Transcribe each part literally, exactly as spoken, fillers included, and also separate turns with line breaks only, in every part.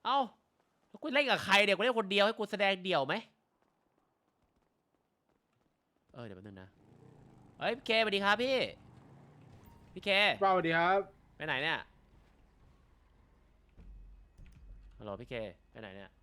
เอ้าแล้วกูเล่นกับใครเดี๋ยวกูเล่นคนเดียวให้กูแสดงเดี่ยวไหมเออเดี๋ยวแป๊บนึงนะเฮ้ยพี่เคสวัสดีครับพี่พี่เค
สวัสดีครับ
ไปไหนเนี่ยฮัลโหลพี่เคไปไหนเนี่ย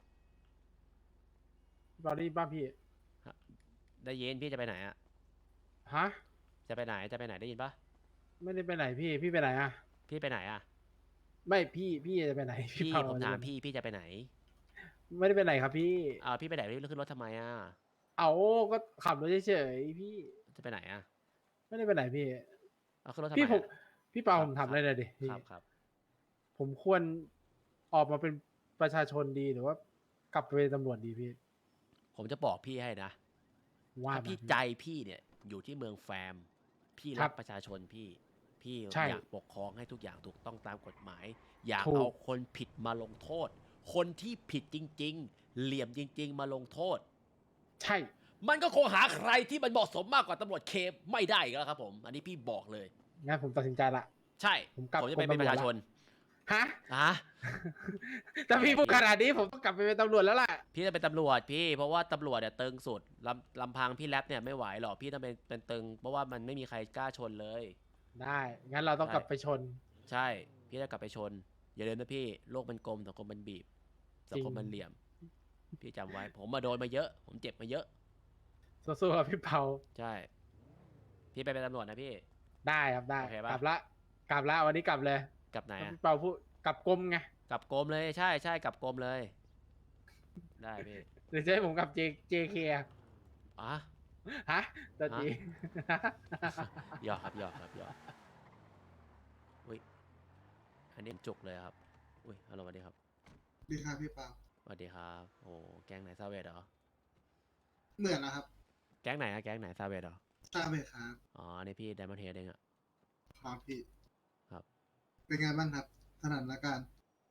ตอนนี้บ้านพี่
ได้ยินพี่จะไปไหนอะ
ฮะ
จะไปไหนจะไปไหนได้ยินปะ
ไม่ได้ไปไหนพี่พี่ไปไหนอะ
พี่ไปไหนอะ
ไม่พี่พี่จะไปไหนพี่
พี่
เผา
ผมถาม
จะไปไหน
พี่พี่จะไปไหน
ไม่ได้ไปไหนครับพี่
อ้าวพี่ไปไหนแล้วขึ้นรถทำไมอะ
เอาก็ขับรถเฉยๆพี่
จะไปไหนอะ
ไม่ได้ไปไหนพี่
เอาขึ้นรถทำ
พี่ผม
ไมอะ
พี่เปา
ครับ
ผมทำ
ครับ
อะไรเลยดิพี่
ครับครับ
ผมควรออกมาเป็นประชาชนดีหรือว่ากลับไปเป็นตำรวจดีพี่
ผมจะบอกพี่ให้นะ
ว่า
ถ้า
มาพี่
พี่ใจพี่เนี่ยอยู่ที่เมืองแฟมพี่
ครับ
รักประชาชนพี่พี่
ใช่
อยากปกครองให้ทุกอย่างถูกต้องตามกฎหมาย อยาก
ถู
เอา
ก
คนผิดมาลงโทษ คนที่ผิดจริงๆเหลี่ยมจริงๆมาลงโทษ
ใช่
มันก็คงหาใครที่มันเหมาะสมมากกว่าตำรวจเคไม่ได้อีกแล้วครับผม อันนี้พี่บอกเลย
งั้นผมตัดสินใจละ
ใช่
ผมกลับ
ผมจะไปเป็นประชาชน
ฮะ
ฮะ
แต่พี่พูดขนาดนี้ผมต้องกลับไปเป็นตำรวจแล้วล่ะ
พี่จะเป็นตำรวจพี่เพราะว่าตำรวจเนี่ยตึงสุดลำลำพังพี่แรปเนี่ยไม่ไหวหรอกพี่ต้องเป็นเป็นตึงเพราะว่ามันไม่มีใครกล้าชนเลย
ได้งั้นเราต้องกลับไปชน
ใช่พี่จะกลับไปชนอย่าลืมนะพี่โลกมันกลมสังคมมันบีบสังคมมันเหลี่ยมพี่จำไว้ผมมาโดนมาเยอะ ผมเจ็บมาเยอะ
สู้ๆครับพี่เปา
ใช่พี่ไปเป็นตำรวจนะพี่
ได้ครับได้
โอเคปะ
กลับละกลับละวันนี้กลับเลย
กลับไหนอะ
พี่เปาพูดกลับกรมไง
กลับกรมเลยใช่ใช่กลับกรมเลยได้พี่
หรือจะให้ผมกลับ J JK อะ
อ่ะ
ฮะตัวจี
หยอกครับหยอกครับหยอกอุ้ยอันนี้จุกเลยครับอุ้ยฮัลโหลสวัสดีครับ
ดีครับพี่เปา
สวัสดีครับโอ้แก๊งไหนซาเวดเหรอ
เหมือนนะครับ
แก๊งไหนอะแก๊งไหนซาเวดเหรอ
ทราบไหมครับ
อ๋ออันนี้พี่ไดมอนด์เฮดเองอะ
ครับพี่
ครับ
เป็นไงบ้างครับสถานการณ์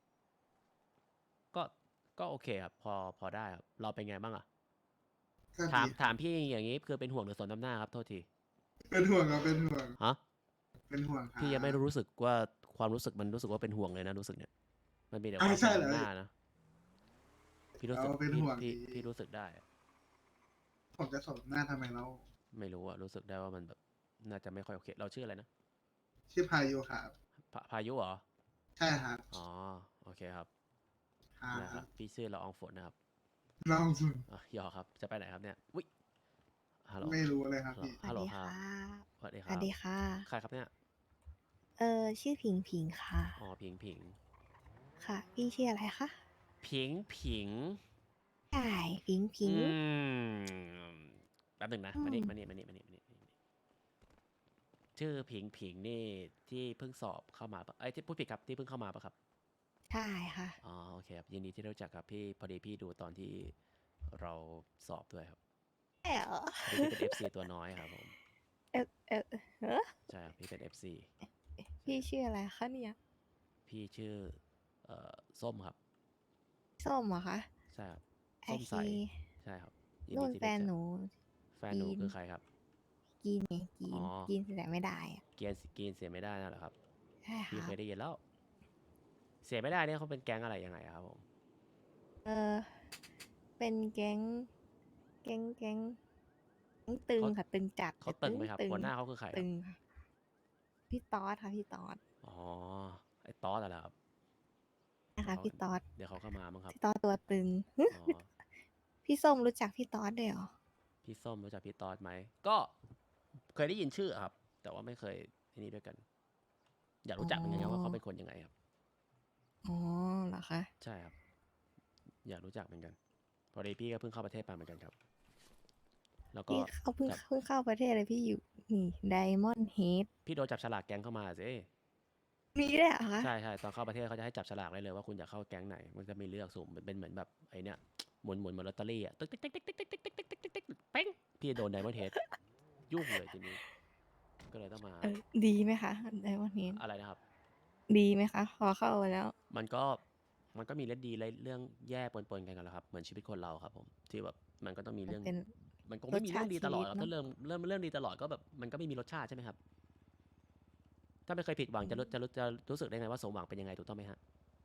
ก็ก็โอเคครับพอพอได้ครับเราเป็นไงบ้างอะ
ก็
ถาม
ดี
ถามพี่อย่างนี้คือเป็นห่วงหรือสนน้ำหน้าครับโทษที
เป็นห่วงครับเป็นห่วง
ฮะ
เป็นห่วงครับ
พี่ยังไม่รู้สึกว่าความรู้สึกมันรู้สึกว่าเป็นห่วงเลยนะรู้สึกเนี่ยมันมีแต่ค
อ่า
วามส
ใช่เหรอ
นน้ำหน้านะพี่รู้สึก
เราเป็น
พี่
ห่วง
พี่
ดี
พี่รู้สึกได้อะ
ผมจะสบหน้าทำไมเรา
ไม่รู้อะรู้สึกได้ว่ามันแบบน่าจะไม่ค่อยโอเคเราชื่ออะไรนะ
ชื่อพายุครับ
พาพายุเหรอ
ใช่ครับ
อ๋อโอเคครับ
ครั
นะครับ
บ
พี่ชื่อละอองฝนนะครับ
ลองสุด
อ่ะหยอกครับจะไปไหนครับเนี่ยวิฮัลโหล
ไม่รู้เลยครับ
ฮัลโหล
พี่
ฮัลโหลครับสวัสดีค
สวั
รับ
สดีค่ะ
ใครครับเนี่ย
เออชื่อผิงผิงค่ะ
อ๋อผิงผิง
ค่ะ พี่ชื่ออะไรคะ
ผิงผิง
ใช่ผิงผิ
อื
ง
มแป๊บหนึ่งนะ
อื
มา
ม
นี่มานี่มานี่มานี่มานี่มานี่ชื่อผิงผิงนี่ที่เพิ่งสอบเข้ามาปะไอ้ยที่พูดผิดครับที่เพิ่งเข้ามาปะครับ
ใช่ค่ะ
อ๋อโอเคครับยินดีที่ได้รู้จักครับพี่พอดีพี่ดูตอนที่เราสอบด้วยครับ
ใช่เหรอ
พอดีพี่เป็น เอฟ ซี ตัวน้อยครับผม
เออเออเออ
ใช่ครับพี่เป็น เอฟ ซี
พี่ชื่ออะไรคะเนี่ย
พี่ชื่อเอ่อส้มครับ
ส้มเหรอคะ
ใช่ครับ
ไอ
ส้มใส
คี
ใช่ครับยินดี
นู่นแฟ
ที่รู้จัก
นหนู
แฟนหนูคือใครครับ
กินไงกิ
อ๋
น
อ
กินแต่ไม่ได้อะ
เกียนกินเสียไม่ได้นะเหรอครับ
ใช่
พี่
ค่ะ
เคยได้ยินแล้ว เสียไม่ได้เนี่ยเขาเป็นแก๊งอะไรยังไงครับผม
เออเป็นแก๊งแก๊งแก๊งแก๊งตึง
เขา
ค่ะตึงจัด
เขาตึ
แต่
งไหมครับ
ตึง
หัวหน้าเขาคือใครค
ตึ
รับ
งค่ะพี่ตอสค่ะพี่ตอส
อ๋อไอ้ตอสอะไรครับ
นะคะ
เขา
พี่ตอส
เดี๋ยวเขาเข้ามามั้งครับ
พี่ตอสตัวตึง
อ๋อ
พี่ส้มรู้จักพี่ตอสด้วยเหรอ
พี่ส้มรู้จักพี่ตอสไหมก็เคยได้ยินชื่อครับ แต่ว่าไม่เคยที่นี่ด้วยกัน อยากรู้จักเหมือนกันครับว่าเขาเป็นคนยังไงครับ
อ๋อเหรอคะ
ใช่ครับ อยากรู้จักเหมือนกัน พอดีพี่ก็เพิ่งเข้าประเทศมาเหมือนกันครับ แล้วก็
พี่เขาเพิ่ง
จับ
เพิ่งเข้าประเทศเลยพี่อยู่นี่ไดมอนด์เฮด
พี่โดนจับฉลากแก๊งเข้ามาสิ
มีได้วยเหรอคะ
ใช่ใช่ตอนเข้าประเทศเขาจะให้จับฉลากได้เลยว่าคุณอยากเข้าแก๊งไหน มันจะมีเลือกสุ่มเป็นเหมือนแบบไอเนี้ยหมุนหมุนเหมือนลอตเตอรี่อ่ะตึ๊กติ๊กติ๊กติ๊กติ๊กติ๊กติ๊กติ๊กติ๊กติ๊กติ๊กเป้งพี่โดนไดมอนด์เฮดยุ่งเลยทีนี้ ก็เลยต้องมา
เออดีไหมคะไดมอนด์เฮด
อะไรนะครับ
ดีไหมคะ พอเข้าไปแล้ว
มันก็มันก็มีเรื่องดีและเรื่องแย่ปนๆกันกันแหละครับ เหมือนชีวิตคนเราครับผมที่แบบมันก็ต้องมี
มัน
เรื่อง
เป็น
มันคงไม่มีเรื่องดีตลอดหรอก
รสชาติ
ถ้าเริ่มเริ่มเรื่องดีตลอดก็แบบมันก็ไม่มีรสชาติใช่ไหมครับ ถ้าไม่เคยผิดหวังจะรู้จะรู้จะรู้สึกได้ไงว่าสมหวังเป็นยังไงถูกต้องไหมฮะ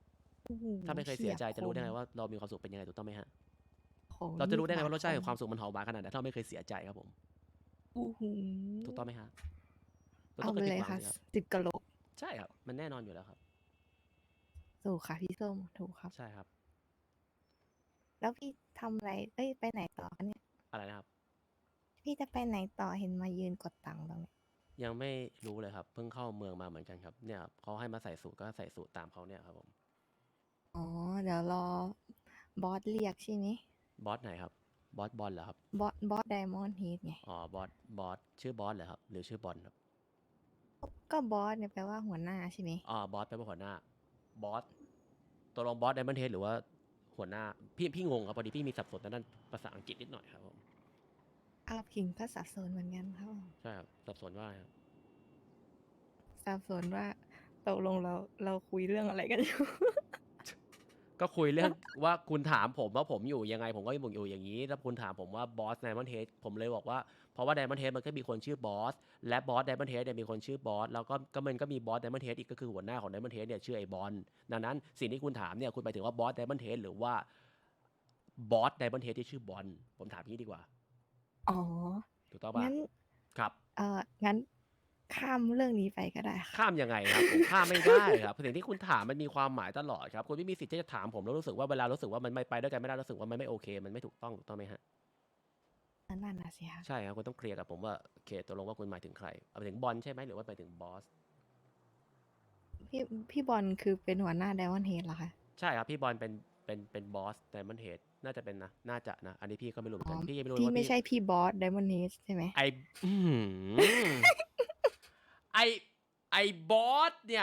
โอ้โห
ถ้าไม่เคยเสียใจ
ฉีบ
จะรู้ได้ไง
คม
ว่าเรามีความสุขเป็นยังไงถูกต้องไหมฮะ
โอ้โห
เราจะรู้ได้ไง
มีด
ว่ารสชาติ
บ
แห่ง
ค
ความสุขมันหอมหวานขนาดไหนถ้าเราไม่เคยเสียใจครับผม
โอ้โห
ถูกต้องไหมฮะเรา
เอา
ต้อง
ไป
เคย
เล
ผิด
ย
หวัง
ค่ะ
สิครับ
สิบกะโหลก
ใช่ครับ มันแน่นอนอยู่แล้วครับ
ถูกค่ะพี่ส้ม ถูกครับ
ใช่ครับ
แล้วพี่ทำอะไร เอ้ย ไปไหนต่อคะเนี่ย?
อะไรนะครับ?
พี่จะไปไหนต่อ เห็นมายืนกดตังค์ตรงนี้?
ยังไม่รู้เลยครับ เพิ่งเข้าเมืองมาเหมือนกันครับ เนี่ยครับเขาให้มาใส่สูท ก็ใส่สูทตามเขาเนี่ยครับผม
อ๋อ เดี๋ยวรอบอสเรียกใช่ไหม?
บอสไหนครับ? บอสบอลเหรอครับ?
บอส บอส Diamond Head ไง
อ๋อ บอส บอส ชื่อบอสเหรอครับ หรือชื่อบอลครับ?
ก็บอสเนี่ยแปลว่าหัวหน้าใช่ไหม?
อ๋อ บอสแปลว่าหัวหน้า บอส ตกลงบอส Diamond Head หรือว่าหัวหน้า พี่ พี่งงครับ พอดีพี่มีสับสนทางด้านภาษาอังกฤษนิดหน่อยครับผม
อ้าว ผิงก็สับสนเหมือนกันครับผม
ใช่ครับ สับสนว่าอะไรครับ?
สับสนว่า ตกลงเรา เราคุยเรื่องอะไรกัน อยู่?
ก็คุยเรื่อง ว่าคุณถามผมว่าผมอยู่ยังไง ผมก็บอกอยู่อย่างงี้ แล้วคุณถามผมว่าบอส Diamond Head ผมเลยบอกว่า เพราะว่า Diamond Head มันก็มีคนชื่อบอส และบอส Diamond Head เนี่ยมีคนชื่อบอส แล้วก็ ก็มันก็มีบอส Diamond Head อีก ก็คือหัวหน้าของ Diamond Head เนี่ยชื่อไอ้บอล ดังนั้นสิ่งที่คุณถามเนี่ย คุณหมายถึงว่าบอส Diamond Head หรือว่าบอส Diamond Head ที่ชื่อบอล ผมถามงี้ดีกว่า
อ๋อ
ถูกต้องเปล่า?
งั้น
ครับ
เอ่อ งั้นข้ามเรื่องนี้ไปก็ได้ค่ะ
ข้ามยังไงครับ ผมข้ามไม่ได้ครับ สิ่งที่คุณถามมันมีความหมายตลอดครับ คุณไม่มีสิทธิ์ที่จะถามผมแล้วรู้สึกว่า เวลารู้สึกว่ามันไม่ไปด้วยกันไม่ได้ รู้สึกว่ามันไม่โอเค มันไม่ถูกต้อง ถูกต้องไหมครับ?
ก็นั่นน่ะสิคะ
ใช่ครับ คุณต้องเคลียร์กับผมว่า โอเค ตกลงว่าคุณหมายถึงใคร หมายถึงบอลใช่ไหม หรือว่าหมายถึงบอส?
พี่ พี่บอลคือเป็นหัวหน้า Diamond Head เหรอคะ?
ใช่ครับ พี่บอลเป็น เป็น เป็นบอส Diamond Head น่าจะเป็นนะ น่าจะนะ อันนี้พี่ก็ไม่รู้เหมือ
อ๋
น
อ
กัน พี่ยังไม่รู้
พี่
ว่า
ไม่
พี่
ใช่พี่บอส Diamond Head ใช่ไหม?
ไอ้ อื้อฮือ ไอ้ ไอ้บอสเนี่ย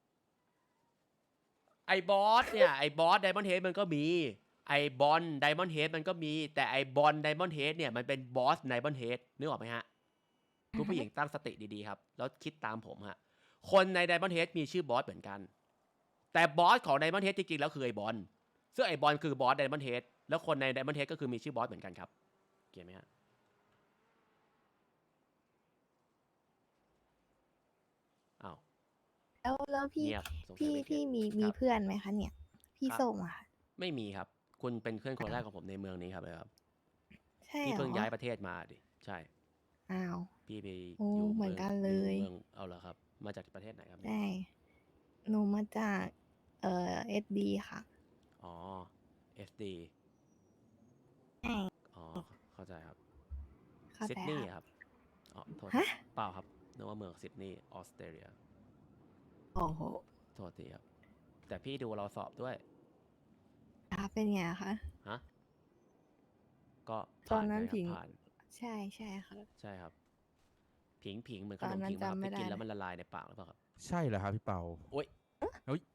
ไอ้บอสเนี่ย ไอ้บอส Diamond Head มันก็มี ไอ้บอล Diamond Head มันก็มี แต่ไอ้บอล Diamond Head เนี่ยมันเป็นบอส Diamond Head นึกออกไหมครับ? คุณผู้หญิงตั้งสติดี ๆ ครับ แล้วคิดตามผมครับ คนใน Diamond Head มีชื่อบอสเหมือนกัน แต่บอสของ Diamond Head จริง ๆ แล้วคือไอ้บอล ซึ่งไอ้บอลคือบอส Diamond Head แล้วคนใน Diamond Head ก็คือมีชื่อบอสเหมือนกันครับ เก็ตไหมครับ? อ้าว
แล้ว แล้วพี่
เงียบ สงสั
พี่
ยไม่เก็
พี่
ต
มี
ค
มี
รับ
เพื่อนไหมคะเนี่ย? พี่
ครับ
ส้มอะค่ะ
ไม่มีครับ คุณเป็นเพื่อนคน
อ้า
แรก
ว
ของผมในเมืองนี้ครับ เลยครับ
ใช่
พี่
เหร
เพิ่งย้า
อ?
ยประเทศมาอะสิ ใช่
อ้าว
พี่ไป
โอ้
อยู่
เหมื
เมื
อน
อง
กัน
อ
เล
อยู่
ย
เมือง อ้าว เหรอครับ มาจากประเทศไหนครับเ
ใ
นี
ช่
่ย?
หนูมาจาก เอ่อ เอส ดี ค่ะ
อ๋อ เอส ดี
ใช่
อ๋อ เข้าใจครับ
เข้า
ซิด
ใจ
นีย์
ครับ
อะครับ อ๋อ โทษ
ฮะ?
เปล่าครับ นึกว่าเมืองซิดนีย์ ออสเตรเลีย
โอ้โฮ
โทษทีครับ แต่พี่ดูเราสอบด้วย
อา เป็นไงอะคะ?
ฮะ? ก็
ต
ผ
อ่
าน น
นั
กั้
น
นค
ผ
รับ
ิง
ผ่าน
ใช่ ใช่ค่ะ
ใช่ครับ ผิง ๆ เหมือนข
ตอนนั้
นมผิ
น
งเปล่าครับ
จำไม่
ที่
ได้
กินแล้
เล
วย มันละลายในปากหรือเปล่าครับ?
ใช่เหรอครับพี่เปา?
โอ๊ย
เฮ้ย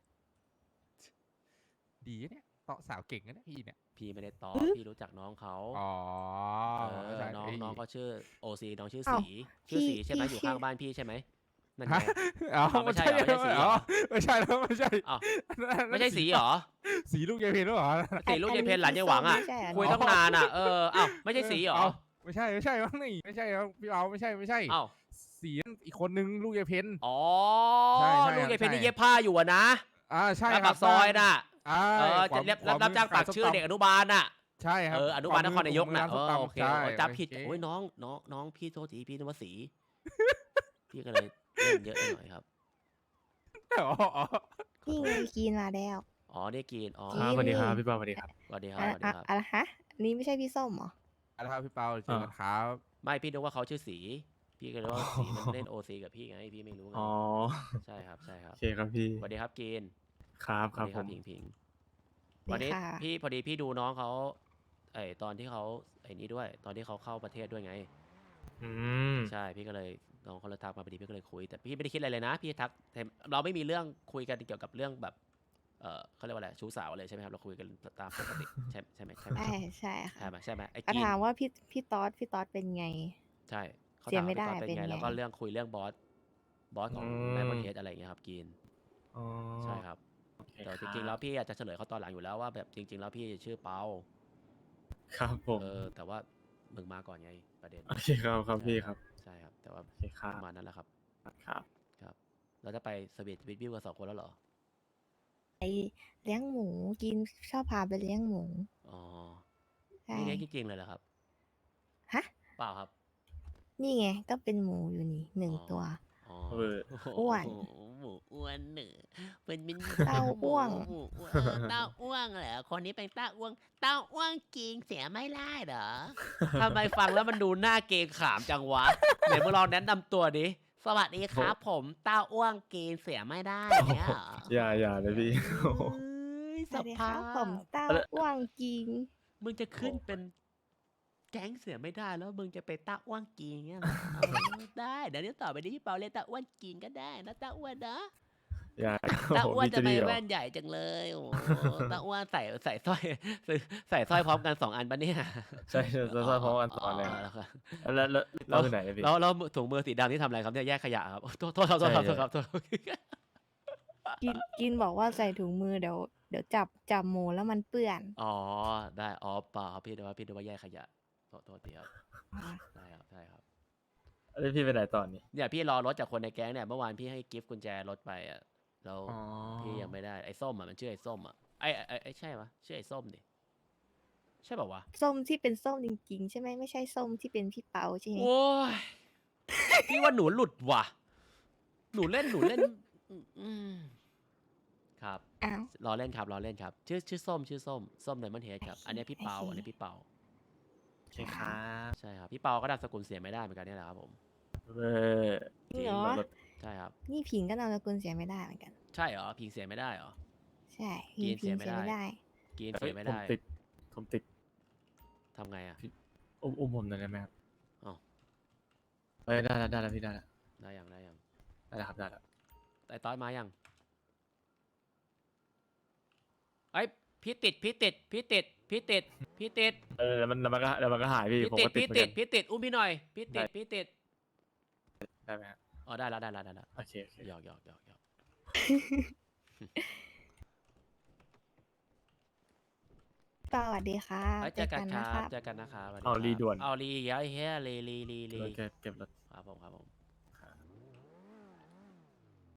ดีนะเนี่ย เตาะสาวเก่งนะเนี่ยพี่เนี่ย
พี่ไม่ได้เตาะ
หือ?
พี่รู้จักน้องเขา
อ๋อ
เอ
เข้า
อ
ใจ
น้อง
เฮ้ย
น้องเขาชื่อ โอ ซี น้องชื่อ
อ้า
ศ
ว
รี ชื่อ
พี่
ศรีใช่ไหม
พี่
อยู่
ชื่
ข้า
อ
งบ้านพี่ใช่ไหม? นั่น
ฮะ
ไง
อ๋อ
อ้าว
ไม่
ไม่ใช่
ใช่
เหรอ ไม่ใช่ศรีเหร
อ๋อ
อ?
ไม่ใช่แล้ว ไม่ใช่
อ้าว
อันนั้น อัน
ไม่
นั้น
ใช่
สี
ศรีเหรอ?
สีลูกยายเพนหรือเปล่า?
ศรีลูกยายเพนหลานยายหวังอะ
ไม่ใช่เหรอ
คุย
เนี่ย?
ตั้งนานอะ เออ อ้าว ไม่ใช่ศรีเหรอ?
อ้าว ไม่ใช่ ไม่ใช่มั้งนี่ ไม่ใช่ครับพี่เปา ไม่ใช่ ไม่ใช่
อ้าว
ศรีนั่นอีกคนหนึ่งลูกยายเพน
อ๋อ
ใช่
ลูก
ๆ
ยายเพน
ใช่
ที่เย็บผ้าอยู่อะนะ
อา ใช่
หน้า
ค
ปา
รับ
กซอย
บ้าน
น่ะ
ใช่
เออ
ขวา
จะเรียบ
ขวา
รับ
มือ
จ้าง
ขา
ปั
ย
ก
ส้ม
ชื่อ
ตำ
เด็กอนุบาลน่ะ
ใช่ค
เอ
รับ
อ อนุ
ขวา
บาลน
มื
ครนายก
ผม
น่ะ
ร้าน
เอ
ส้ม
อ
ต
โอเค
ำ ใช่
โอ๊ย จำผิด
โอเค
โอ๊ย น้อง น้อง น้องพี่โทษที พี่นึกว่าศรี พี่ก็เลยเล่นเยอะไปหน่อยครับ
อ๋อ อ๋อ ขอ
นี่
โท
ไง
ษ
กรีนมาแล้ว
อ๋อ นี่กรีน อ๋อ
กรี
ครับ
น
สวัสดี
นี่
ครับพี่เปา สวัสดีครับ
สวัสดีครั
อะ
บ สวัสดี
อะ
ครับ
อะไรคะ อันนี้ไม่ใช่พี่ส้มเหรอ?
เอาละครับพี่เปา เจอ
อา
กันครับ
ไม่ พี่นึกว่าเขาชื่อศรี พี่ก็เลย
อ๋
ว่า ศรีมันเล่น
อ
โอ ซี กับพี่ไง พี่ไม่รู้ไง
อ๋อ
ใช่ครับ ใช่ครั
โอบ เคครับพี่
สวัสดีครับกรีน
ครับ
ส
ค
วั
รั
ส
บ
ดีค
ผ
รับ
ม
ผิง ๆ
ดี
วันนี้
ค่ะ
พี่ พอดีพี่ดูน้องเขา ไอ้ตอนที่เขา ไอ้นี่ด้วย ตอนที่เขาเข้าประเทศด้วยไง
อืม
ใช่ พี่ก็เลย น้องเขาเลยทักมาพอดี พี่ก็เลยคุย แต่พี่ไม่ได้คิดอะไรเลยนะ พี่ทัก เห็น เราไม่มีเรื่องคุยกันเกี่ยวกับเรื่องแบบ เอ่อ เขาเรียกว่าอะไร ชู้สาวเลยใช่ไหมครับ เราคุยกัน ต ตามปกติ ใช่ ใช่ไหม ใช่ไหม
ใช่ ใช่
ใช่
ค่ะ
ไหม ใช่ไหม ไอ้
ก็
กรี
ถาน มว่าพี่ พี่ต๊อด พี่ต๊อดเป็นไง?
ใช่ เขา
เสี
ถาย ม
ไม่
ว่า
ได้
พี่ต๊อดเป็นไง
เป็นไง?
แล้วก็เรื่อง คุยเรื่องบอส บอส
อื
ของ
ม
Diamond Head อะไรอย่างเงี้ยครับกรีน
อ๋อ
ใช่ครับ
โอเค
แต่
ค
จ
รั
ริง ๆ แล้ว
บ
พี่อาจจะเฉลยเขาตอนหลังอยู่แล้วว่า แบบจริง ๆ แล้วพี่ชื่อเปา
ครับผม
เออ แต่ว่ามึงมาก่อนไงประเด็น
โอเคครับ ครับ
ใช่
พี่
ค
ค
รั
รับ บ
ใช่ครับ แต่ว่า
โอเคครั
ป
บ
ระมาณนั้นแหละครับ
ครับ
ครับ แล้วจะไปสวีท with วิวกัน สอง คนแล้วเหรอ?
เลี้ยงหมูกินชอบพาไปเลี้ยงหมู
อ๋อ
ใช่
นี่เลี้ยงจริงๆเลยเหรอครับ
ฮะ
เปล่าครับ
นี่ไงก็เป็นหมูอยู่นี่หนึ่ง
อ๋อ
ตัว
อ๋อ
เออ
อ้วน
โโหหมูอ้วนเหนือเป็นเป็น
เต้าอ้วง
หมูอ้วนเออเต้าอ้วงเหรอคนนี้เป็นเต้าอ้วงเต้าอ้วงจริงเสียไม่ได้เหรอทำไมฟังแล้วมันดูหน้าเกรงขามจังวะเดี๋ยวมึงลองแนะนำตัวดิสวัสดีครับ ผมเต้าอ้วงเกรงเสียไม่ได้เนี่ยเหรอ
อย่าอย่าเลยพี่ โอ้โห
เอ้ย
ส
ส
วัสดีค
ภา
รับ
พ
ผมเต้าอ้วงจริง
มึงจะขึ้นเป็นแก๊งเสือไม่ได้แล้วมึงจะไปตาอ้วนกีเงี้ยเหรอเออได้เดี๋ยวนี้ต่อไปนี้พี่เปาเรียกตาอ้วนกีก็ได้นะตาอ้วนนะ
อย่า
ตา
โอ้โห
อ้วน
พี่
จะ
จะ
ไป
ดีเหรอ
แว่นใหญ่จังเลยโอ้โหตาอ้วนใส่ใส่สร้อยใส่สร้อยพร้อมกันสองอันปะเนี่ย
ใช่ใช่ใช่ใช่เพราะวันตอนเลย
แล้วครับ
แล้วแล้ว
แล้
เรา
ว
ที่ไหนเนี่ยพี่
แล้วแล้วถุงมือสีดำที่ทำอะไรครับเนี่ยแยกขยะครับโทษโทษครับโทษครับ
ใช่
โทษครับโทษครับ
กินกินบอกว่าใส่ถุงมือเดี๋ยวเดี๋ยวจับจับหมูแล้วมันเปื้อน
อ๋อได้อ๋อเปล่าครับพี่ดูว่าพี่ดูว่าแยกขยะโทษโทษทีครับ
อ่า
ได้ครับได้ครับ
แล้วพี่ไปไหนตอนนี้
เนี่ยพี่รอรถจากคนในแก๊งเนี่ยเมื่อวานพี่ให้กิฟต์กุญแจรถไปอ่ะแล้ว
อ๋อ
พี่ยังไม่ได้ไอ้ส้มอ่ะมันชื่อไอ้ส้มอ่ะไอ้ไอ้ไอ้ใช่ปะชื่อไอ้ส้มดิใช่ป่าวะ
ส้มที่เป็นส้มจริงๆ ใช่ไหมไม่ใช่ส้มที่เป็นพี่เปาใช่ไหม
โอ้ยพี่ว่าหนูหลุดว่ะ หนูเล่นหนูเล่นอืมอืมครับ
อ้าว
รอเล่นครับรอเล่นครับ ชื่อชื่อส้มชื่อส้มส้มไดมอนด์เฮดครับ
โอเค
อันนี้พี่เปา
โอเค
อันนี้พี่เปา
ใช่ครับ
ใช่ครับพี่เปาก็นามสกุลเสียไม่ได้เหมือนกันนี่แหละครับผม
เออ
จริงเหรอ
รถ
ใช่ครับ
นี่ผิงก็นามสกุลเสียไม่ได้เหมือนกัน
ใช่เหรอพิงเสียไม่ได้เหรอ
ใช่พิง
กินเสี
พิ
ย
ง
ไม่
เสีย
ได้
ไม่ได้
กิน
เฮ้
เสี
ย
ยไม่
ผม
ได้
ติดผมติด
ทำไงอ่ะ
อุ้มอุ้มผมหน่อยได้ไหมครับ
อ้าว
เอ้ยได้แล้วได้แล้วพี่ได้แล้ว
ได้ยังได้ยัง
ได้แล้วครับได้แล้ว
ไอ้ต้อยมายังไอ้ยพี่ติดพี่ติดพี่ติดพี่ติดพี่ติด
เออแล้วมันแล้วมันก็แล้วมันก็หายพี่
พี่
ผม
ติด
ก็ติด
พี่
เหมือน
ติ
กั
ด
น
พี่ติดอุ้มพี่หน่อยพี่ติด
ได้
พี่ติด
ได้ไหมครับ
อ๋อได้แล้วได้แล้วได้แล้ว
โอเคโอเค
หยอกหยอกหยอกหยอก
สวัสดีค่ะ
เอ้ยเจอกันค
นะ
รับ
ครับ
เจอกันนะครับสวัส
เอา
ครับ
รีด่วน
เอารีเยอะเฮ้ยรีรีรีรี
รถเก็บเก็บรถ
ครับผมครับผม